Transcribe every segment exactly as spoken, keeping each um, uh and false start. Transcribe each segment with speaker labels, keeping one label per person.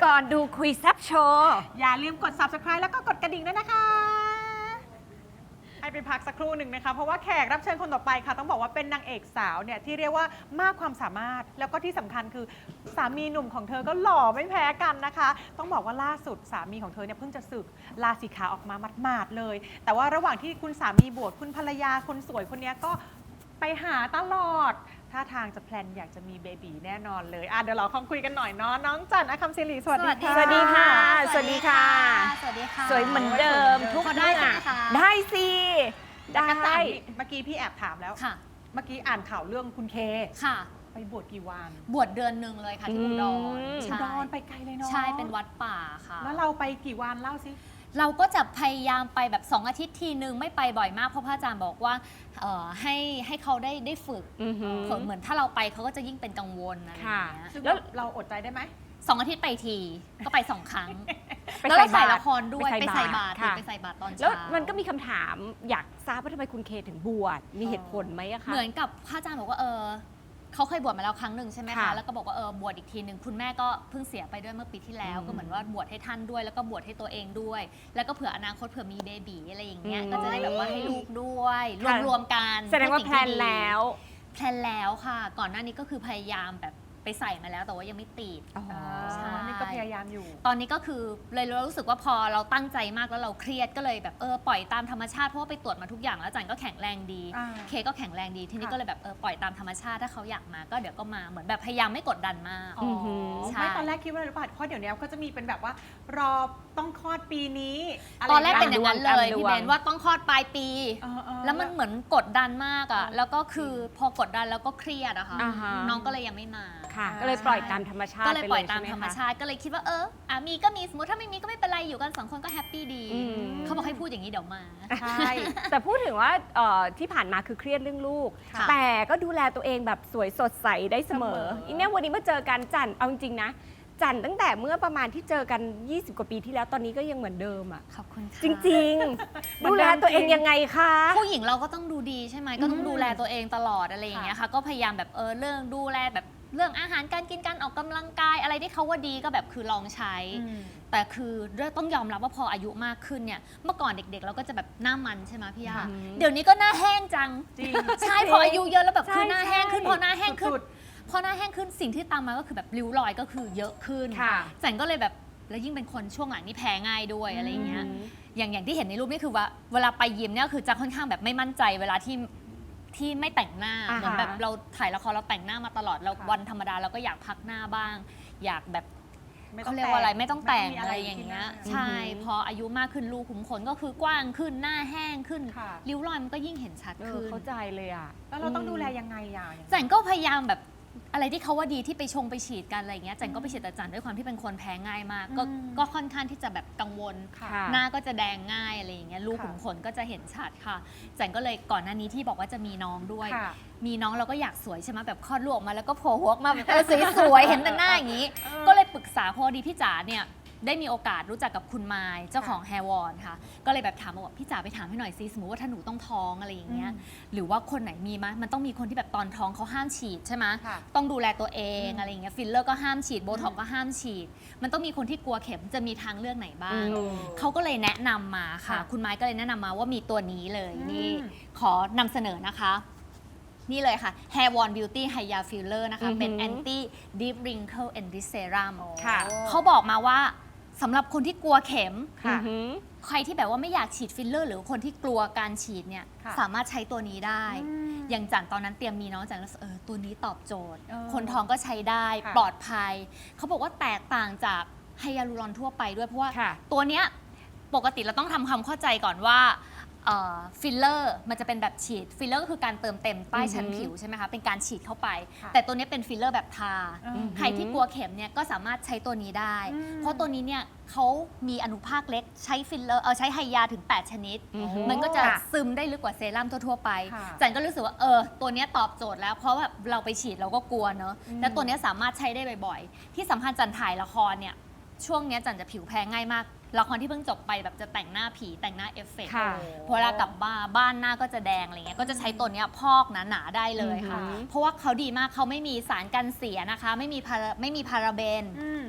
Speaker 1: ก่อนดูคุยแซบโชว์
Speaker 2: อย่าลืมกด ซับสไครบ์ แล้วก็กดกระดิ่งด้วยนะคะให้ไปพักสักครู่หนึ่งนะคะเพราะว่าแขกรับเชิญคนต่อไปค่ะต้องบอกว่าเป็นนางเอกสาวเนี่ยที่เรียกว่ามากความสามารถแล้วก็ที่สำคัญคือสามีหนุ่มของเธอก็หล่อไม่แพ้กันนะคะต้องบอกว่าล่าสุดสามีของเธอเนี่ยเพิ่งจะสึกลาสีขาออกมาหมาดๆเลย แต่ว่าระหว่างที่คุณสามีบวชคุณภรรยาคนสวยคนนี้ก็ไปหาตลอดท่าทางจะแพลนอยากจะมีเบบีแน่นอนเลยอ่ะเดี๋ยวเราคงคุยกันหน่อยเนาะน้องจันทร์อคัมศิริสวัสดีค่ะ
Speaker 1: สวัสดีค่ะ สวัสดีค่ะ
Speaker 3: สวัสดีค่ะ
Speaker 1: สวยเหมือนเดิมทุก
Speaker 3: พอได้
Speaker 1: เรื่อง
Speaker 3: ใช่ไหมคะ
Speaker 1: ได้สิได้
Speaker 2: จักรจันทร์เมื่อกี้พี่แอบถามแล้ว
Speaker 3: ค่ะ
Speaker 2: เมื่อกี้อ่านข่าวเรื่องคุณเค
Speaker 3: ค่ะ
Speaker 2: ไปบวชกี่วัน
Speaker 3: บวชเดือนหนึ่งเลยค่ะที่อุดร
Speaker 1: อืม
Speaker 3: ใช่
Speaker 2: อุดรไปไกลเลยเนาะ
Speaker 3: ใช่เป็นวัดป่าค่ะ
Speaker 2: แล้วเราไปกี่วันเล่าสิ
Speaker 3: เราก็จะพยายามไปแบบสองอาทิตย์ทีนึงไม่ไปบ่อยมากเพราะพระอาจารย์บอกว่าเอ่อให้ให้เขาได้ได้ฝึก
Speaker 1: อือหือ
Speaker 3: เผื่อเหมือนถ้าเราไปเขาก็จะยิ่งเป็นกังวลอะไรอย่าง
Speaker 1: ค่ะ
Speaker 3: เงี้ย
Speaker 2: ซึ่ง
Speaker 1: แล้ว
Speaker 2: เราอดใจได้ไหม
Speaker 3: สองอาทิตย์ไปทีก็ไปสองครั้ง
Speaker 1: ไป
Speaker 3: แล้วเรา
Speaker 1: ใส่
Speaker 3: ถ่าย
Speaker 1: บาตร
Speaker 3: ละครด้วย
Speaker 1: ไป
Speaker 3: ไป
Speaker 1: ใส่
Speaker 3: ใส่บา
Speaker 1: บา
Speaker 3: ต
Speaker 1: ต
Speaker 3: ร
Speaker 1: รค่ะ
Speaker 3: ไปใส่บาตรตอนเช้า
Speaker 1: แล้วมันก็มีคำถามอยากทราบว่าทำไมคุณเคถึงบวชมีเหตุผลไหมอะคะ
Speaker 3: เหมือนกับพระอาจารย์บอกว่าเออเขาเคยบวชมาแล้วครั้งหนึ่งใช่ไหม
Speaker 1: ค่ะ
Speaker 3: คะแล้วก็บอกว่าเออบวชอีกทีหนึ่งคุณแม่ก็เพิ่งเสียไปด้วยเมื่อปีที่แล้ว
Speaker 1: อืม
Speaker 3: ก็เหมือนว่าบวชให้ท่านด้วย แล้วก็บวชให้ตัวเองด้วย แล้วก็เผื่ออนาคตเผื่อมีเบบีอะไรอย่างเงี้ย
Speaker 1: อืม
Speaker 3: ก็จะได้แบบว่าให้ลูกด้วย ร
Speaker 1: ค่ะ
Speaker 3: วมรวมๆกัน
Speaker 1: แสดงว่า
Speaker 3: เพื่
Speaker 1: แพ
Speaker 3: อ
Speaker 1: ล
Speaker 3: สิ่
Speaker 1: น
Speaker 3: ที่ดี
Speaker 1: แล้ว
Speaker 3: แพลนแล้วค่ะ ก่อนหน้านี้ก็คือพยายามแบบไปใส่มาแล้วแต่ว่ายังไม่ติด
Speaker 1: อ๋อ
Speaker 3: ใช่
Speaker 2: นี่ก็พยายามอยู่
Speaker 3: ตอนนี้ก็คือเลยรู้สึกว่าพอเราตั้งใจมากแล้วเราเครียดก็เลยแบบเออปล่อยตามธรรมชาติเพราะว่าไปตรวจมาทุกอย่างแล้วอาจันก็แข็งแรงดี
Speaker 2: อ่า
Speaker 3: เคก็แข็งแรงดีทีนี้
Speaker 2: ค่ะ
Speaker 3: ก็เลยแบบเออปล่อยตามธรรมชาติถ้าเขาอยากมาก็เดี๋ยวก็มาเหมือนแบบพยายามไม่กดดันมาก
Speaker 2: อ๋อ
Speaker 1: หือ
Speaker 3: ใช่
Speaker 2: ไม่ตอนแรกคิดว่าอะไรหรือเปล่าเพราะเดี๋ยวนี้เขาจะมีเป็นแบบว่ารอต้องคลอดปีนี้ะไ
Speaker 3: ตอนแรกเป็นอย่างนั้นเลย
Speaker 1: ตามดวง
Speaker 3: พี่เบนว่าต้องคลอดปลายปี
Speaker 2: เออเออ
Speaker 3: แล้วมันเหมือนกดดันมากอะแล้วก็คือพอกดดันแล้วก็เครียดอะค่ะ
Speaker 1: อ่าฮะ
Speaker 3: น้องก็เลยยังไม่มา
Speaker 1: ค่ะ ก็เลยปล่อยตามธรรมชาติ
Speaker 3: ก็เลยปล่อย
Speaker 1: ไป
Speaker 3: ตาม
Speaker 1: ใช่ไห
Speaker 3: ธรรม
Speaker 1: คะ
Speaker 3: ชาติก็เลยคิดว่าเอออ่ะมีก็มีสมมติถ้าไม่มีก็ไม่เป็นไรอยู่กันสองคนก็แฮปปี้ดี
Speaker 1: อืม
Speaker 3: เขาบอกให้พูดอย่างนี้เดี๋ยวมา
Speaker 2: ใช่
Speaker 1: แต่พูดถึงว่าเอ่อที่ผ่านมาคือเครียดเรื่องลูก
Speaker 3: ค่ะ
Speaker 1: แต่ก็ดูแลตัวเองแบบสวยสดใสได้เสมอ
Speaker 2: เสมออี
Speaker 1: อีเนี่ยวันนี้มาเจอกันจันเอาจริงๆนะ จันตั้งแต่เมื่อประมาณที่เจอกัน ยี่สิบ กว่าปีที่แล้วตอนนี้ก็ยังเหมือนเดิมอ่ะ
Speaker 3: ขอบคุณค่ะ
Speaker 1: จริงๆ ดูแลตัวเองยังไงคะ
Speaker 3: ผู้หญิงเราก็ต้องดูดีใช่ไหมก็ต้อง
Speaker 2: อืม
Speaker 3: ดูแลตัวเองตลอดอะไรอย่างเงี้ยค่ะก็พยายามแบบเออเรื่องดูแลแบบเรื่องอาหารการกินการออกกำลังกายอะไรที่เขาว่าดีก็แบบคือลองใช้
Speaker 2: อืม
Speaker 3: แต่คือต้องยอมรับว่าพออายุมากขึ้นเนี่ยเมื่อก่อนเด็กๆ เราก็จะแบบหน้ามันใช่ไหมพี่ยา
Speaker 2: ค่ะ
Speaker 3: เดี๋ยวนี้ก็หน้าแห้งจัง
Speaker 2: จริง
Speaker 3: ใช่พออายุเยอะแล้วแบบ
Speaker 1: ใช่
Speaker 3: คือหน้าแห้งขึ้น
Speaker 1: ใช่
Speaker 3: พอหน้าแห้งขึ้น
Speaker 2: สุด
Speaker 3: พอหน้าแห้งขึ้นสิ่งที่ตามมาก็คือแบบริ้วรอยก็คือเยอะขึ้น
Speaker 1: ค่ะ
Speaker 3: จันก็เลยแบบแล้วยิ่งเป็นคนช่วงหลังนี่แพ้ง่ายด้วยอะไรอย่างเงี้ย
Speaker 1: อืม
Speaker 3: อย่างอย่างที่เห็นในรูปนี่คือว่าเวลาไปยิมเนี่ยคือจะค่อนข้างแบบไม่มั่นใจเวลาที่ที่ไม่แต่งหน้า
Speaker 1: อ่าฮะ
Speaker 3: เหมือนแบบเราถ่ายละครเราแต่งหน้ามาตลอดเรา
Speaker 2: ค่ะ
Speaker 3: วันธรรมดาเราก็อยากพักหน้าบ้าง อยากแบบ
Speaker 2: ไม่ต้
Speaker 3: เขา
Speaker 2: อง
Speaker 3: เรียกว่าอะไร
Speaker 2: แต่ง
Speaker 3: ไม่ต้องแต่ง
Speaker 2: ไม่ต้องมี
Speaker 3: อะ
Speaker 2: อะไร ไร
Speaker 3: อย่างเงี้ย
Speaker 2: ที่หน้า
Speaker 3: ใช่
Speaker 1: อือหือ
Speaker 3: พออายุมากขึ้นรูขุมขนก็คือกว้างขึ้นหน้าแห้งขึ้น
Speaker 2: ค่ะ
Speaker 3: ริ้วรอยมันก็ยิ่งเห็นชัด
Speaker 1: เออ
Speaker 3: ขึ้น
Speaker 1: เข้าใจเลยอ่ะ
Speaker 2: แล้วเราต้องดูแลยังไงอ่ะอย่าง
Speaker 3: จันก็พยายามแบบอะไรที่เขาว่าดีที่ไปชงไปฉีดกันอะไรอย่างเงี้ยจันก็ไปฉีดแต่จันด้วยความที่เป็นคนแพ้ง่ายมาก ก็
Speaker 2: อืม
Speaker 3: ก็ค่อนข้างที่จะแบบกังวล
Speaker 2: ค่ะ
Speaker 1: ค่ะ
Speaker 3: หน้าก็จะแดงง่ายอะไรอย่างเงี้ยรู
Speaker 2: ค่ะ
Speaker 3: ขุมขนก็จะเห็นชัดค่ะจันก็เลยก่อนหน้านี้ที่บอกว่าจะมีน้องด้วย
Speaker 2: ค่ะ
Speaker 3: มีน้องเราก็อยากสวยใช่ไหมแบบคลอดลูกออกมาแล้วก็โผล่หัวออกมาแบบเออสวยๆเห็นแต่หน้าอย่างนี้
Speaker 2: เออ
Speaker 3: ก็เลยปรึกษาพอดีพี่จ๋าเนี่ยได้มีโอกาสรู้จักกับคุณไมายเจ้าของแฮร์วอนค่ะ ก็เลยแบบถามมาว่าพี่จ๋าไปถามให้หน่อยซิสมมติว่าถ้าหนูต้องท้องอะไรอย่างเงี้ย
Speaker 2: อืม
Speaker 3: หรือว่าคนไหนมีมั้ยมันต้องมีคนที่แบบตอนท้องเขาห้ามฉีดใช่ไหม
Speaker 2: ค่ะ
Speaker 3: ต้องดูแลตัวเอง
Speaker 2: อืม
Speaker 3: อะไรอย่างเงี้ยฟิลเลอร์ก็ห้ามฉีดโบท็อกก็ห้ามฉีด มันต้องมีคนที่กลัวเข็มจะมีทางเลือกไหนบ้าง
Speaker 1: อืม
Speaker 3: เขาก็เลยแนะนำมาค่ะ
Speaker 2: ค่ะ
Speaker 3: คุณไม้ก็เลยแนะนำมาว่ามีตัวนี้เลย
Speaker 2: อืม
Speaker 3: นี่ขอนำเสนอนะคะ นี่เลยค่ะ Hair Won Beauty Hya Filler นะคะ
Speaker 1: อือหือ
Speaker 3: เป็น Anti Deep Wrinkle and This Serum
Speaker 1: ค่ะ
Speaker 3: เขาบอกมาว่าสำหรับคนที่กลัวเข็ม
Speaker 2: ค่ะ
Speaker 1: อือหือ
Speaker 3: ใครที่แบบว่าไม่อยากฉีดฟิลเลอร์หรือคนที่กลัวการฉีดเนี่ย
Speaker 2: ค่ะ
Speaker 3: สามารถใช้ตัวนี้ได้
Speaker 2: อืม
Speaker 3: อย่างจันตอนนั้นเตรียมมีน้องจันแล้วเออตัวนี้ตอบโจทย์
Speaker 2: เออ
Speaker 3: คนท้องก็ใช้ได้
Speaker 2: ค่ะ
Speaker 3: ปลอดภัย เขาบอกว่าแตกต่างจากไฮยาลูรอนทั่วไปด้วยเพราะว่า
Speaker 1: ค่ะ
Speaker 3: ตัวเนี้ยปกติเราต้องทำความเข้าใจก่อนว่าฟิลเลอร์มันจะเป็นแบบฉีดฟิลเลอร์ก็คือการเติมเต็มใต้ชั้น
Speaker 1: อือหือ
Speaker 3: ผิวใช่ไหมคะเป็นการฉีดเข้าไป
Speaker 2: ค่ะ
Speaker 3: แต่ตัวนี้เป็นฟิลเลอร์แบบทา
Speaker 2: อืม
Speaker 3: ใครที่กลัวเข็มเนี่ยก็สามารถใช้ตัวนี้ได้
Speaker 2: อืม
Speaker 3: เพราะตัวนี้เนี่ยเขามีอนุภาคเล็กใช้ฟิลเลอร์เออใช้ไฮยาถึง แปด ชนิด
Speaker 1: อือหือ
Speaker 3: มันก็จะ
Speaker 1: ค่ะ
Speaker 3: ซึมได้ลึกกว่าเซรั่มทั่วๆไป
Speaker 2: ค่ะ
Speaker 3: จันก็รู้สึกว่าเออตัวเนี้ยตอบโจทย์แล้วเพราะแบบเราไปฉีดเราก็กลัวเนอะ
Speaker 2: อืม
Speaker 3: แล้วตัวเนี้ยสามารถใช้ได้บ่อยๆ ที่สำคัญจันถ่ายละครเนี่ยช่วงเนี้ยจันจะผิวแพ้ง่ายมากละครที่เพิ่งจบไปแบบจะแต่งหน้าผีแต่งหน้าเอฟเฟกต์
Speaker 1: ค่ะ
Speaker 3: พอเวลากลับบ้านบ้านหน้าก็จะแดงอะไรเงี้ยก็จะใช้ตัวเนี้ยพอกหนาๆได้เลยค่ะ
Speaker 1: อือหือ
Speaker 3: เพราะว่าเขาดีมากเขาไม่มีสารกันเสียนะคะ ไม่มีพาราไม่มีพาราเบน
Speaker 2: อืม
Speaker 3: เดี๋ยว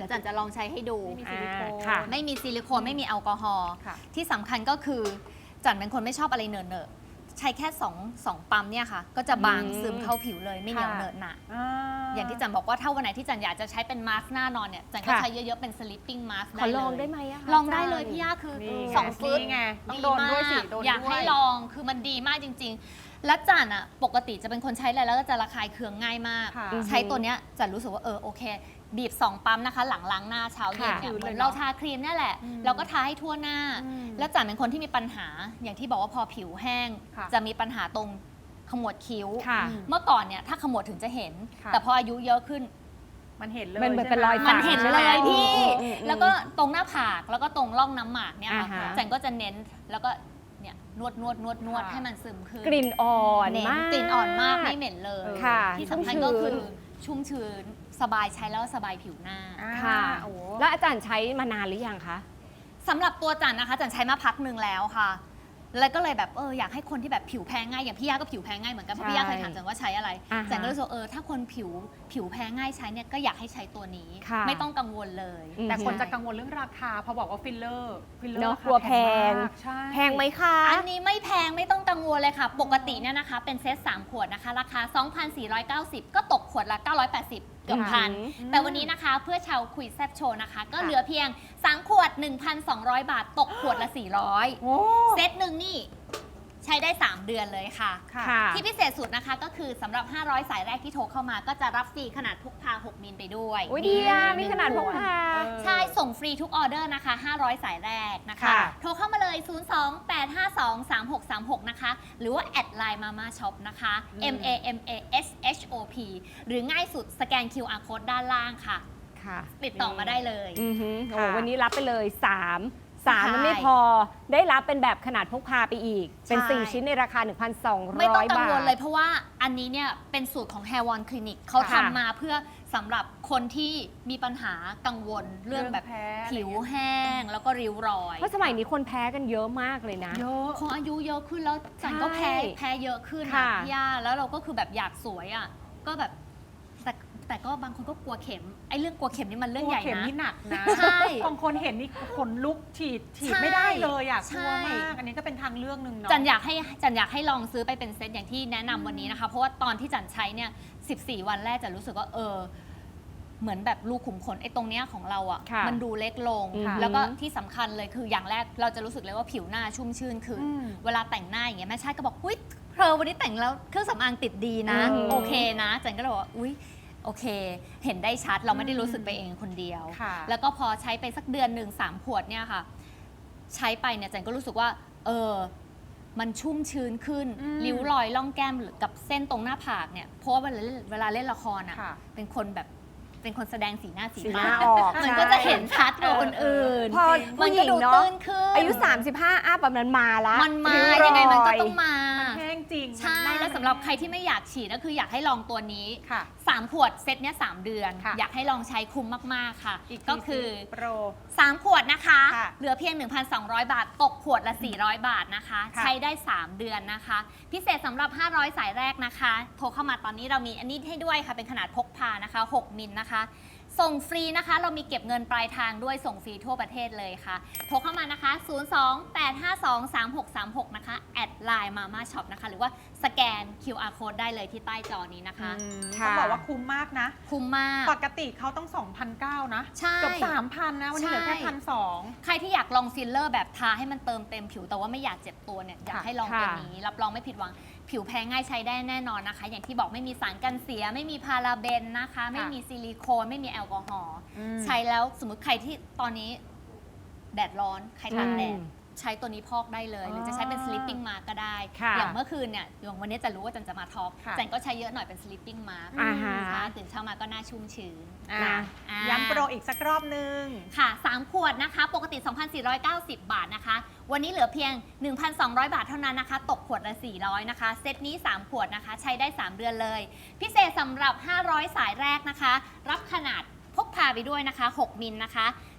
Speaker 3: ดี๋ยวจันจะลองใช้ให้ดู
Speaker 2: ไม่มีซิลิโคน
Speaker 1: อ่าค่ะ
Speaker 3: ไม่มีซิลิโคนไม่มีแอลกอฮอล์
Speaker 2: ค่ะ
Speaker 3: ที่สำคัญก็คือจันเป็นคนไม่ชอบอะไรเหนอะเนอะใช้แค่สองสองปั๊มเนี่ยค่ะ ก็จะบาง
Speaker 1: อืม
Speaker 3: ซึมเข้าผิวเลยไม่เหนียวเหนอะหนะ
Speaker 2: อ่า
Speaker 3: อย่างที่จันบอกว่าถ้าวันไหนที่จันอยากจะใช้เป็นมาสก์หน้านอนเนี่ยจันก็
Speaker 1: ค่ะ
Speaker 3: ใช้เยอะๆเป็น sleeping mask
Speaker 1: ข
Speaker 3: ได้
Speaker 1: อ
Speaker 3: เลย
Speaker 1: ลองได้ไหมอะคะ
Speaker 3: ลองได้เลย
Speaker 1: าจาร
Speaker 3: พี่ย่าคือ
Speaker 2: นี่
Speaker 3: สองฟึต
Speaker 2: นี่ไงต้องโดนด้วยสิโดนด้วย
Speaker 3: อยากให้ลองคือมันดีมากจริง ๆ และจันอะปกติจะเป็นคนใช้อะไรแล้วก็จะระคายเคืองง่ายมาก
Speaker 2: ค่ะ
Speaker 3: ใช้ตัวเนี้ยจันรู้สึกว่าเออโอเค บีบสองปั๊มนะคะ หลังล้างหน้าเช้าเย็นเนี่ย
Speaker 2: ค่ะ
Speaker 3: เหมือนเราทาครีมเนี่ยแหละ
Speaker 2: อืม
Speaker 3: เราก็ทาให้ทั่วหน้า
Speaker 2: อืม
Speaker 3: แล้วจันเป็นคนที่มีปัญหาอย่างที่บอกว่าพอผิวแห้ง
Speaker 2: ค่ะ
Speaker 3: จะมีปัญหาตรงขมวดคิ้ว
Speaker 1: ค่ะ
Speaker 2: อืม
Speaker 3: เมื่อก่อนเนี่ยถ้าขมวดถึงจะเห็น
Speaker 2: ค่ะ
Speaker 3: แต่พออายุเยอะขึ้น
Speaker 2: มันเห็นเลย
Speaker 1: มันเหมือน
Speaker 2: ใช่
Speaker 1: เป็นรอย
Speaker 2: ไ
Speaker 3: มันเห็นเลยพี่
Speaker 1: อืมอืมอืม
Speaker 3: แล้วก็ตรงหน้าผากแล้วก็ตรงร่องน้ำหมากเนี่ยค่ะ
Speaker 1: อ่าฮะ
Speaker 3: จันก็จะเน้นแล้วก็เนี่ยนวดนวดนวดนวด
Speaker 2: ค่ะ
Speaker 3: ให้มันซึมขึ้น
Speaker 1: กลิ่นอ่อน
Speaker 3: เน้น
Speaker 1: มาก
Speaker 3: กลิ่นอ่อนมากไม่เหม็นเลย
Speaker 1: ค่ะ
Speaker 3: ที่สำคัญ
Speaker 1: ชุ่มชื้น
Speaker 3: ก็คือชุ่มชื้นสบายใช้แล้วสบายผิวหน้า
Speaker 2: อ่า
Speaker 1: ค่ะ
Speaker 2: โอ้โห
Speaker 1: แล้วอาจารย์ใช้มานานหรือยังคะ
Speaker 3: สำหรับตัวจันนะคะจันใช้มาพักหนึ่งแล้วค่ะ แล้วก็เลยแบบเอออยากให้คนที่แบบผิวแพ้ง่ายอย่างพี่ย่าก็ผิวแพ้ง่ายเหมือนกันเพราะพี่ย่าเคยถามจันว่าใช้อะไร
Speaker 1: อ่าฮะ
Speaker 3: จันก็รู้สึกว่าเออถ้าคนผิวผิวแพ้ง่ายใช้เนี่ยก็อยากให้ใช้ตัวนี้
Speaker 1: ค่ะ
Speaker 3: ไม่ต้องกังวลเลย
Speaker 1: อืม
Speaker 2: แต่คนจะกังวลเรื่องราคาพอบอกว่าฟิลเลอร์ฟิลเลอร์
Speaker 1: เนอะ
Speaker 2: ราก
Speaker 1: ลัวแพง
Speaker 2: มากใช่
Speaker 1: แพงไหมคะ
Speaker 3: อันนี้ไม่แพงไม่ต้องกังวลเลยค่ะ ปกติเนี่ยนะคะเป็นเซตสามขวดนะคะ ราคา สองพันสี่ร้อยเก้าสิบ ก็ตกขวดละ เก้าร้อยแปดสิบ เกือบพัน
Speaker 1: อืม
Speaker 3: แต่วันนี้นะคะเพื่อชาวคุยแซบโชว์นะคะ ก็
Speaker 2: ค่ะ
Speaker 3: เหลือเพียง สาม ขวด หนึ่งพันสองร้อย บาท ตกขวดละ สี่ร้อย
Speaker 2: โอ้
Speaker 3: เซตหนึ่งนี่ใช้ได้ สาม เดือนเลยค่ะ
Speaker 2: ค่ะ
Speaker 1: ค่ะ
Speaker 3: ที่พิเศษสุดนะคะก็คือสำหรับ ห้าร้อย สายแรกที่โทรเข้ามา ก็จะรับฟรีขนาดพกพา หก มิลไปด้วย
Speaker 1: อุ้ยดีอ่ะ
Speaker 3: ห
Speaker 1: มี
Speaker 3: นึ่ง
Speaker 1: ขนาดพกพา
Speaker 2: เออ
Speaker 3: ใช่ ส่งฟรีทุกออเดอร์นะคะ ห้าร้อย สายแรกนะคะ
Speaker 1: ค่ะ
Speaker 3: โทรเข้ามาเลย ศูนย์ สอง แปด ห้า สอง สาม หก สาม หก นะคะ หรือว่า แอดไลน์มาม่าช็อปนะคะ
Speaker 2: อืม
Speaker 3: M A M A S H O P หรือง่ายสุดสแกน คิว อาร์ Code ด้านล่างค่ะ
Speaker 1: ค่ะ
Speaker 3: ติดต่อมาได้เลย
Speaker 1: อือหือโอ้
Speaker 2: ค่ะ
Speaker 1: วันนี้รับไปเลยสามสาม
Speaker 3: ใช่
Speaker 1: มันไม่พอ ได้รับเป็นแบบขนาดพกพาไปอีก เป็น
Speaker 3: ใช่
Speaker 1: สี่ ชิ้นในราคา หนึ่งพันสองร้อย
Speaker 3: ไม่ต้องกัง
Speaker 1: บาท
Speaker 3: วลเลยเพราะว่าอันนี้เนี่ยเป็นสูตรของ Hair One Clinic เขา
Speaker 1: ค่ะ
Speaker 3: ทำมาเพื่อสำหรับคนที่มีปัญหากังวลเรื่องแบบ
Speaker 2: เรื่องแพ้
Speaker 3: ผิวแห้งแล้วก็ริ้วรอย
Speaker 1: เพราะสมัยนี้คนแพ้กันเยอะมากเลยนะ
Speaker 2: เยอะ
Speaker 3: พออายุเยอะขึ้นแล้วจันก็แพ้
Speaker 1: ใช่
Speaker 3: แพ้เยอะขึ้น
Speaker 1: ค่ะ
Speaker 3: อะพี่ย่าแล้วเราก็คือแบบอยากสวยอ่ะก็แบบแต่แต่ก็บางคนก็กลัวเข็มไอ้เรื่องกลัวเข็มนี่มันเรื่องใหญ่
Speaker 2: เข็ม
Speaker 3: นะ
Speaker 2: นี่หนักนะ
Speaker 3: ใช่
Speaker 2: บางคนเห็นนี่ขนลุกฉีดฉีด
Speaker 3: ใช่
Speaker 2: ไม่ได้เลยอ่ะก
Speaker 3: ใช่
Speaker 2: ลัวมาก อันนี้ก็เป็นทางเลือกหนึ่งเนาะ
Speaker 3: จันอยากให้จันอยากให้ลองซื้อไปเป็นเซตอย่างที่แนะนำวันนี้นะคะ เพราะว่าตอนที่จันใช้เนี่ยสิบสี่ วันแรกจันรู้สึกว่าเออ เหมือนแบบรูขุมขนไอ้ตรงเนี้ยของเราอ่ะ
Speaker 1: ค่ะ
Speaker 3: มันดูเล็กลง
Speaker 1: ค่ะ
Speaker 3: แล้วก็ที่สำคัญเลยคืออย่างแรกเราจะรู้สึกเลยว่าผิวหน้าชุ่มชื่นขึ้น
Speaker 2: อืม
Speaker 3: เวลาแต่งหน้าอย่างเงี้ยแม่ชาติก็บอกอุ้ยเธอวันนี้แต่งแล้วเครื่องสำอางติดดีนะ
Speaker 1: อืม
Speaker 3: โอเคนะจันก็เลยบอกว่าอุ้ยโอเค เห็นได้ชัดเราไม่ได้รู้สึกไปเองคนเดียว
Speaker 2: ค่ะ
Speaker 3: แล้วก็พอใช้ไปสักเดือนหนึ่งสามขวดเนี่ยค่ะ ใช้ไปเนี่ยจันก็รู้สึกว่า เออ มันชุ่มชื้นขึ้น
Speaker 2: อืม
Speaker 3: ริ้วรอยล่องแก้มหรือกับเส้นตรงหน้าผากเนี่ยเพราะว่าเวลาเล่นเวลาเล่นละครอ่ะ
Speaker 2: ค่ะ
Speaker 3: เป็นคนแบบเป็นคนแสดงสีหน้าสี
Speaker 1: สีห
Speaker 3: ตา
Speaker 1: น้าออก
Speaker 3: มัน
Speaker 1: ใช่
Speaker 3: ก็จะเห็นชัดกว่าคนอื่น
Speaker 1: พอ
Speaker 3: มัน
Speaker 1: ผู้ห
Speaker 3: ก็
Speaker 1: ญิง
Speaker 3: ดู
Speaker 1: เนาะ
Speaker 3: ตื้นขึ้น
Speaker 1: อายุ สามสิบห้า อัพแบบนั้นมาละ
Speaker 3: มันมา
Speaker 1: ริ้วรอ
Speaker 3: ยังไงมันก็ต้องมา
Speaker 2: แห้งจริง
Speaker 3: ใช่
Speaker 2: มันน่า
Speaker 3: แล้วสำหรับใครที่ไม่อยากฉีดก็คืออยากให้ลองตัวนี้
Speaker 2: ค่ะ
Speaker 3: สามขวดเซตเนี้ยสามเดือน
Speaker 2: ค่ะ
Speaker 3: อยากให้ลองใช้คุ้มมากๆค่ะ
Speaker 2: อีกที
Speaker 3: ก็คือ
Speaker 2: สิโปร
Speaker 3: สาม ขวดนะคะ
Speaker 2: ค่ะ
Speaker 3: เหลือเพียง หนึ่งพันสองร้อย บาท ตกขวดละ สี่ร้อย บาทนะคะ
Speaker 2: ค่ะ
Speaker 3: ใช้ได้ สาม เดือนนะคะ พิเศษสำหรับ ห้าร้อย สายแรกนะคะ โทรเข้ามาตอนนี้เรามีอันนี้ให้ด้วยค่ะ เป็นขนาดพกพานะคะ หก มิลนะคะ ส่งฟรีนะคะ เรามีเก็บเงินปลายทางด้วยส่งฟรีทั่วประเทศเลยค่ะ โทรเข้ามานะคะ ศูนย์ สอง แปด ห้า สอง สาม หก สาม หก นะคะ แอดไลน์มาม่าช็อปนะคะ หรือว่าสแกน คิว อาร์ Code ได้เลยที่ใต้จอนี้นะคะ
Speaker 2: อืม
Speaker 1: ค่ะ
Speaker 2: ต้องบอกว่าคุ้มมากนะ
Speaker 3: คุ้มมาก
Speaker 2: ปกติเขาต้อง สองพันเก้าร้อย นะ
Speaker 3: ใช่
Speaker 2: เกือบสามพันนะ วันนี้เหลือแค่
Speaker 3: ใช่
Speaker 2: พันสอง
Speaker 3: ใครที่อยากลองฟิลเลอร์แบบทาให้มันเติมเต็มผิวแต่ว่าไม่อยากเจ็บตัวเนี่ยอยาก
Speaker 2: ค่ะ
Speaker 3: ให้ลอง
Speaker 1: ค่ะ
Speaker 3: ตัวนี้ รับรองไม่ผิดหวัง ผิวแพ้ง่ายใช้ได้แน่นอนนะคะ อย่างที่บอกไม่มีสารกันเสีย ไม่มีพาราเบนนะคะ ไม่มีซิลิโคน ไม่มีแอลกอฮอล์
Speaker 2: อืม
Speaker 3: ใช้แล้วสมมติใครที่ตอนนี้แดดร้อนใครตากแดด
Speaker 1: อืม
Speaker 3: ใช้ตัวนี้พอกได้เลย หรือจะใช้เป็น sleeping mask ก็ได้
Speaker 1: ค่ะ
Speaker 3: อย่างเมื่อคืนเนี่ยอย่างวันนี้จะรู้ว่าจันจะมาทอล์ก
Speaker 2: ค่ะ
Speaker 3: จันก็ใช้เยอะหน่อยเป็น sleeping mask
Speaker 1: อ่าฮะ
Speaker 3: นะคะตื่นเช้ามาก็หน่าชุ่มชื้น
Speaker 2: อ่ะ
Speaker 1: นะ
Speaker 3: อ่า
Speaker 2: ย้ำโปรอีกสักรอบนึง
Speaker 3: ค่ะ สาม ขวดนะคะ ปกติ สองพันสี่ร้อยเก้าสิบ บาทนะคะ วันนี้เหลือเพียง หนึ่งพันสองร้อย บาทเท่านั้นนะคะ ตกขวดละ สี่ร้อย นะคะ เซตนี้ สาม ขวดนะคะ ใช้ได้ สาม เดือนเลย พิเศษสำหรับ ห้าร้อย สายแรกนะคะ รับขนาดพกพาไปด้วยนะคะ หก มิลนะคะ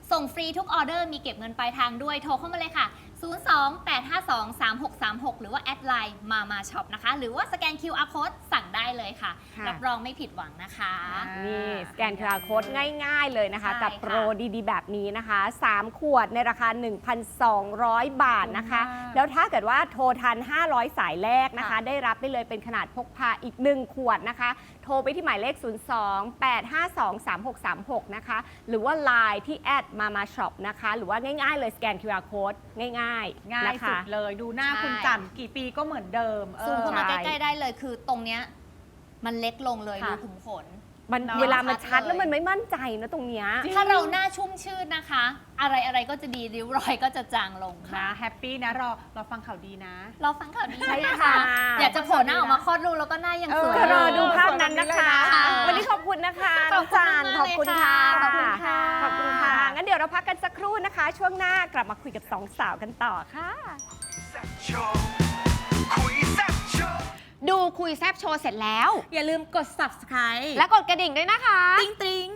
Speaker 3: ส่งฟรีทุกออเดอร์มีเก็บเงินปลายทางด้วยโทรเข้ามาเลยค่ะ ศูนย์ สอง แปด ห้า สอง สาม หก สาม หก หรือว่าแอดไลน์มามาช็อปนะคะ หรือว่าสแกน คิว อาร์ Code สั่งได้เลยค่ะ
Speaker 1: ค่ะ
Speaker 3: รับรองไม่ผิดหวังนะคะ
Speaker 1: นี่สแกน คิว อาร์ Code ง่ายๆเลยนะคะ
Speaker 3: ใช่
Speaker 1: กับ
Speaker 3: ค่ะ
Speaker 1: โปรดีๆ แบบนี้นะคะ สาม ขวดในราคา หนึ่งพันสองร้อย บาทนะคะ
Speaker 2: ถูกมาก
Speaker 1: แล้วถ้าเกิดว่าโทรทัน ห้าร้อย สายแรกนะคะ
Speaker 2: ค่ะ
Speaker 1: ได้รับไปเลยเป็นขนาดพกพาอีก หนึ่ง ขวดนะคะ โทรไปที่หมายเลข ศูนย์ สอง แปด ห้า สอง สาม หก สาม หก นะคะ หรือว่า ไลน์ ที่แอดมามาช็อปนะคะ หรือว่าง่ายๆเลยสแกน คิว อาร์ Code ง่ายๆ
Speaker 2: ง่าย
Speaker 1: นะ
Speaker 2: สุ
Speaker 1: คะ
Speaker 2: ดเลยดูหน้า
Speaker 3: ใช่
Speaker 2: คุณจันกี่ปีก็เหมือนเดิมเออ
Speaker 3: ซูมเข้ามา
Speaker 1: ใช่
Speaker 3: ใกล้ๆได้เลยคือตรงเนี้ยมันเล็กลงเลย
Speaker 2: ค่ะ
Speaker 3: รูขุมขน
Speaker 1: มัน
Speaker 2: เนอะ
Speaker 1: เวลามันชัด
Speaker 3: ชัดเลย
Speaker 1: แล้วมันไม่มั่นใจนะตรงเนี้ย
Speaker 2: จริง
Speaker 3: ถ้าเราหน้าชุ่มชื่นนะคะ อะไรอะไรๆก็จะดีริ้วรอยก็จะจางลงค่ะ
Speaker 2: นะแฮปปี้นะรอรอฟังข่าวดีนะ
Speaker 3: รอฟังข่าวดี
Speaker 1: ใช่
Speaker 3: นะ
Speaker 1: ค่ะ
Speaker 3: คะ อยากจะโผล่หน้าออกมาคลอดลูกแล้วก็หน้ายังสวย
Speaker 2: เอ
Speaker 1: จะรอ
Speaker 3: อยู่
Speaker 1: ดูภาพนั้นนะคะ
Speaker 2: ค่ะ
Speaker 1: วันนี้ขอบคุณนะคะ
Speaker 3: ข
Speaker 1: น้
Speaker 3: อ
Speaker 1: อบ ง
Speaker 3: คุณ
Speaker 1: จาน
Speaker 3: มากๆ
Speaker 1: ขอบคุณค่ะ
Speaker 3: เลยค่ะ
Speaker 1: ขอบคุณค่ะ งั้นเดี๋ยวเราพักกันสักครู่นะคะ ช่วงหน้ากลับมาคุยกับสองสาวกันต่อค่ะ
Speaker 4: ดูคุยแซบโชว์เสร็จแล้ว
Speaker 3: อย่าลืมกด subscribe
Speaker 4: และกดกระดิ่งด้วยนะคะ
Speaker 3: ติ๊งติ๊ง